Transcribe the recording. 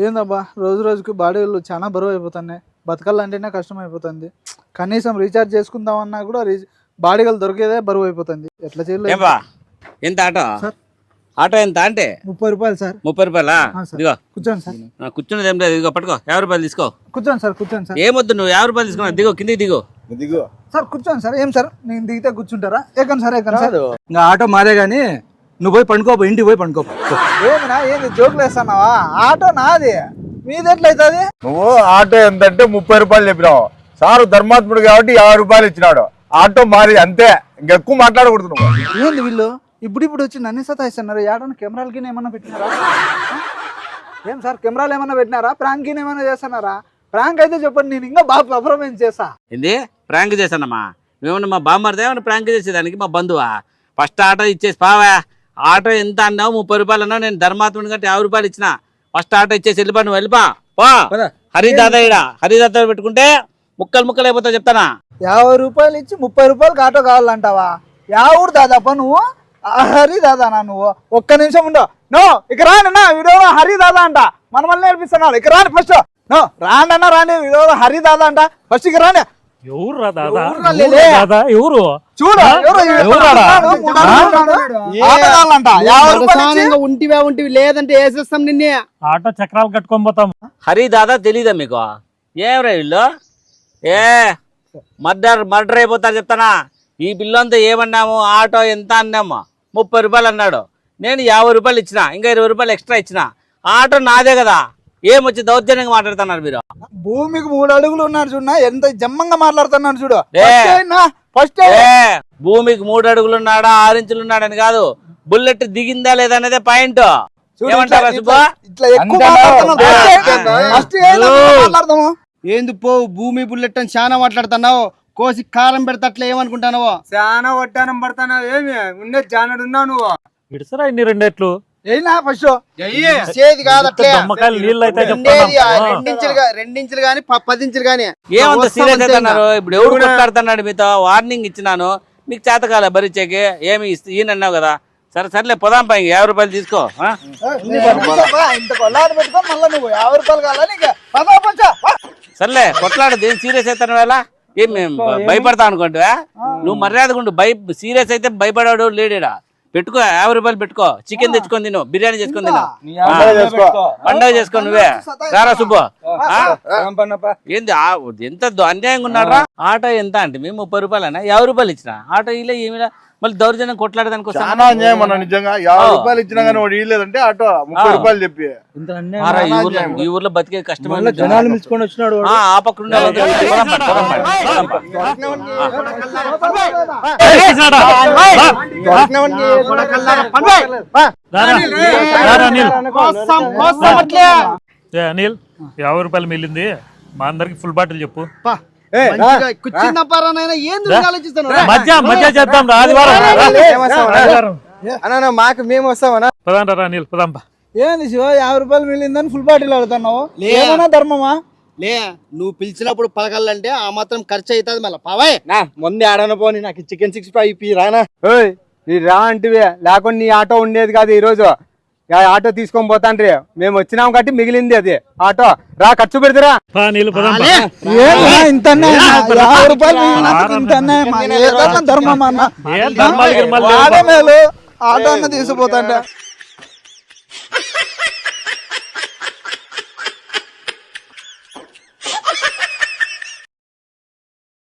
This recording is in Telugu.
ఏందబ్బా రోజు రోజుకి బాడీలు చాలా బరువు అయిపోతున్నాయి. బతకాలంటేనే కష్టం అయిపోతుంది. కనీసం రీఛార్జ్ చేసుకుందామన్నా కూడా బాడీలు దొరికేదే బరువు అయిపోతుంది. ఎట్లా చేయలేదు? ఎంత ఆటో సార్? ఆటో ఎంత అంటే 30 రూపాయలు సార్. 30 రూపాయలా? ఇదిగో కూర్చోండి సార్. కూర్చున్నది ఏం లేదు, ఇదిగో పట్టుకో 50 రూపాయలు తీసుకో. కూర్చోండి సార్. కూర్చోండి సార్. ఏమొద్దు, నువ్వు 50 రూపాయలు తీసుకున్నా. దిగో, కిందికి దిగో. దిగో సార్. కూర్చోండి సార్. ఏం సార్ నేను దిగితే కూర్చుంటారా? ఎక్కండి సార్, ఎక్కండి సార్. ఇంకా ఆటో మాదే గానీ నువ్వు పోయి పండుకోపో, ఇంటికి పోయి పండుకోపో. ఏమినా ఏంది జోకులు వేస్తున్నావా? ఆటో నాది, మీది ఎట్లయితుంది? నువ్వు ఆటో ఎంతంటే 30 రూపాయలు చెప్పినావు. సారు ధర్మాత్ముడు కాబట్టి 50 రూపాయలు ఇచ్చినాడు. ఆటో మారి అంతే, ఇంకెక్కువ మాట్లాడకూడదు నువ్వు. ఏంది వీళ్ళు ఇప్పుడు వచ్చి నన్ను సతాయిస్తున్నారు? ఏడన్నా కెమెరాలకి ఏమన్నా పెట్టినారా? ఏం సార్ కెమెరాలు ఏమన్నా పెట్టినారా? ప్రాంక్ ఏమన్నా చేస్తున్నారా? ప్రాంక్ అయితే చెప్పండి, నేను ఇంకా బాగా పర్ఫార్మెన్స్ చేస్తా. ఏంది ప్రాంక్ చేశానమ్మా? మేమన్నా మా బామ్మర్దే ఏమన్నా ప్రాంక్ చేసేదానికి మా బంధువా? ఫస్ట్ ఆటో ఇచ్చేసి పావా. ఆటో ఎంత అన్నావు? 30 రూపాయలు అన్నావు. నేను ధర్మాత్ముడి కంటే 50 రూపాయలు ఇచ్చిన. ఫస్ట్ ఆటో ఇచ్చేసి వెళ్ళిపా, నువ్వు వెళ్ళిపా పో. హరిదాదా ఇడ హరిదాదా పెట్టుకుంటే ముక్కలు అయిపోతావు చెప్తానా. 50 రూపాయలు ఇచ్చి 30 రూపాయలకి ఆటో కావాలంటావా? యావుడు దాదాపా నువ్వు? హరి దాదానా నువ్వు? ఒక్క నిమిషం ఉండవు. నో ఇక రానన్నా, వీడియో హరి దాదా అంట. మన మళ్ళీ నేర్పిస్తున్నాడు. ఇక రాండి ఫస్ట్. నో రాండన్నా, రాండి. వీడియో హరి దాదా అంట. ఫస్ట్ ఇక రాండి. ఎవరు రా దాదా? చూడు ఉంటివి లేదంటే వేసేస్తాం నిన్నే. ఆటో చక్రాలు కట్టుకొని పోతాం. హరి దాదా తెలీదా మీకు? ఏమరా వీళ్ళు? మర్డర్ అయిపోతారు చెప్తానా. ఈ బిల్లు అంతా ఏమన్నాము? ఆటో ఎంత అన్నాము? 30 రూపాయలు అన్నాడు. నేను 50 రూపాయలు ఇచ్చిన, ఇంకా 20 రూపాయలు ఎక్స్ట్రా ఇచ్చిన. ఆటో నాదే కదా. ఏమొచ్చి దౌర్జన్యంగా మాట్లాడుతున్నారు మీరు? భూమికి 3 అడుగులు ఉన్నారు చూడ, ఎంత జమ్మంగా మాట్లాడుతున్నారు చూడు. ఫస్ట్ భూమికి 3 అడుగులు ఉన్నాడా 6 ఇంచులు ఉన్నాడని కాదు, బుల్లెట్ దిగిందా లేదా అనేదే పాయింట్. ఏమంటారా సుబ్బా? ఏంది పో భూమి బుల్లెట్ అని చాలా మాట్లాడుతున్నావు. కోసి కారం పెడతా అట్లా ఏమనుకుంటానవో? చాలా వడ్డానం పడతావు. ఏమి ఉండే జానడు ఉన్నావు నువ్వు. విడుసరా ఇన్ని రెండేట్లు ఏనా ఫస్ట్ చేది కాదు అట్లే. దమ్మకాయలు నీళ్ళు అయితే రెండించులు గాని 10 ఇంచులు గాని. ఏమంత సీరియస్ అవుతున్నారు? ఇప్పుడు ఎవరు కొట్లాడుతున్నాడు మీతో? వార్నింగ్ ఇచ్చినాను, మీకు చేతకాల భరించేకి. ఏమి ఈయనన్నావు కదా. సర్లే పోదాం పై 50 రూపాయలు తీసుకో. ఇంత కొల్లాడు పెట్టుకో, మళ్ళీ నువ్వు 50 రూపాయలు కావాలని సర్లే కొట్లాడు. దేని సీరియస్ అవుతాను వేళ? ఏం మేము భయపడతా అనుకుంటా? నువ్వు మర్యాదగా ఉండు. సీరియస్ అయితే భయపడాడు లేడేడా. పెట్టుకో 50 రూపాయలు పెట్టుకో. చికెన్ తెచ్చుకొని తిను, బిర్యానీ చేసుకొని తిను, పండగ చేసుకో. నువ్వే రారా సుబ్బు. ఏంది ఎంత అన్యాయంగా ఉన్నారా? ఆటో ఎంత అంటే మేము 30 రూపాయలు అన్నా, 50 రూపాయలు ఇచ్చిన. ఆటో ఇలా ఏమిలా మళ్ళీ దౌర్జన్యం కొట్లాడదానికి చాలా అన్యాయం అన్న. నిజంగా 50 రూపాయలు ఇచ్చినా కానీ వాడు ఇవ్వలేదంటే ఆటో 30 రూపాయలు చెప్పి. ఈ ఊర్లో బతికే కష్టమైన జనాలు మిల్చుకొని వచ్చినాడు. ఆ పక్కన అనిల్ 50 రూపాయలు మిగిలింది. మా అందరికి ఫుల్ బాటిల్ చెప్పు. మధ్య చేద్దాం. మాకు మేము వస్తామన్నా. పదాంటారా అనిల్? పదాంపా. ఏంది శివ 50 రూపాయలు మిగిలిందని ఫుల్ బాటిల్ అడుగుతున్నావు? ఏమన్నా ధర్మమా? లే నువ్వు పిలిచినప్పుడు పలకాలంటే ఆ మాత్రం ఖర్చు అవుతుంది. మళ్ళీ పావాయ్ ముందే ఆడన పోని, నాకు చికెన్ 65 ఇప్పి రానా. నీ రా అంటివే, లేకుండా నీ ఆటో ఉండేది కాదు. ఈ రోజు ఆటో తీసుకొని పోతాండ్రి. మేము వచ్చినాం కాబట్టి మిగిలింది అది ఆటో. రా ఖర్చు పెడతారా? ధర్మమా? ఆటో అన్న తీసుకుపోతాంటే